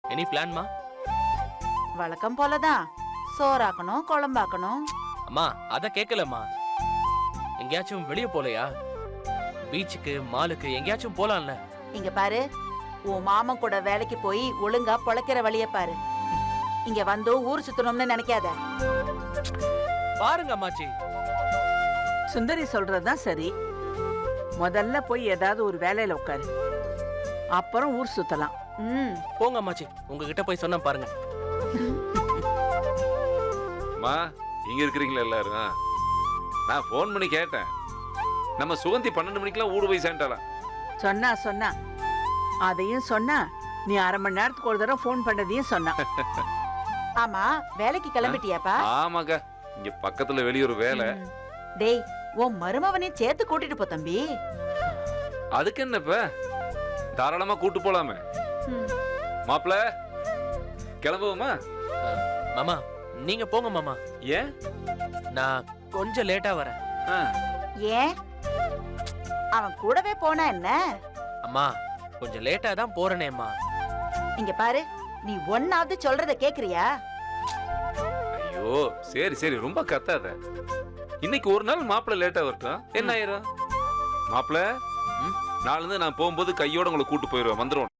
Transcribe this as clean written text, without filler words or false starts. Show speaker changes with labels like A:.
A: Any பிளான்மா?
B: வழக்கம் போலதான். சோறாக்கணும், குழம்பாக்கணும்.
A: அம்மா அத கேட்கலம்மா. எங்கேயாச்சும் வெளியே போலையா? பீச்சுக்கு, மாலுக்கு எங்கேயாச்சும் போலாம்ல?
B: இங்க பாரு, உன் மாமன் கூட வேலைக்கு போய் ஒழுங்கா பொழைக்கிற வழிய பாரு. இங்க வந்து ஊர் சுத்தணும்னு நினைக்காத.
A: பாருங்க அம்மாச்சி.
C: சுந்தரி சொல்றதுதான் சரி. முதல்ல போய் ஏதாவது ஒரு வேலையில உட்காரு, அப்புறம் ஊர் சுத்தலாம்.
A: போங்க அம்மாச்சி, உங்ககிட்ட போய் சொன்ன பாருங்க.
D: அம்மா, இங்க இருக்கிறீங்களா எல்லாரும்? நான் போன் பண்ணி கேட்டேன். நம்ம சுகந்தி 12 மணிக்கெல்லாம் ஊடு போய் சேர்ந்தாலாம்.
C: சொன்னா அதையும் சொன்னா, நீ அரை மணி நேரத்துக்கு ஒரு தடவை போன் பண்ணதையும் சொன்னா.
B: ஆமா, வேலைக்கு கிளம்பிட்டியாப்பா?
D: ஆமாக்கா, இங்க பக்கத்துல வெளியூர் வேலை.
B: டேய், உன் மருமவனையும் சேர்த்து கூட்டிட்டு போ தம்பி.
D: அதுக்கு என்னப்ப, தாராளமா கூட்டு போலாமே. மாப்பிள, கிளம்புவோமா?
A: மாமா நீங்க போங்க மாமா.
D: ஏன்?
A: நான் கொஞ்சம் லேட்டா வரேன்.
B: ஏன்? அவன் கூடவே போனா என்ன?
A: அம்மா கொஞ்சம் லேட்டா தான் போறேனேம்மா.
B: இங்க பாரு, நீ ஒன்னாவது சொல்றத கேக்குறியா?
D: ஐயோ சரி சரி, ரொம்ப கத்தாத. இன்னைக்கு ஒரு நாள் மாப்பிள்ள லேட்டா வரட்டும், என்ன ஆயிரும்? மாப்பிள்ள, நாளிலிருந்து நான் போகும்போது கையோட உங்களை கூட்டு போயிருவேன், வந்துடும்.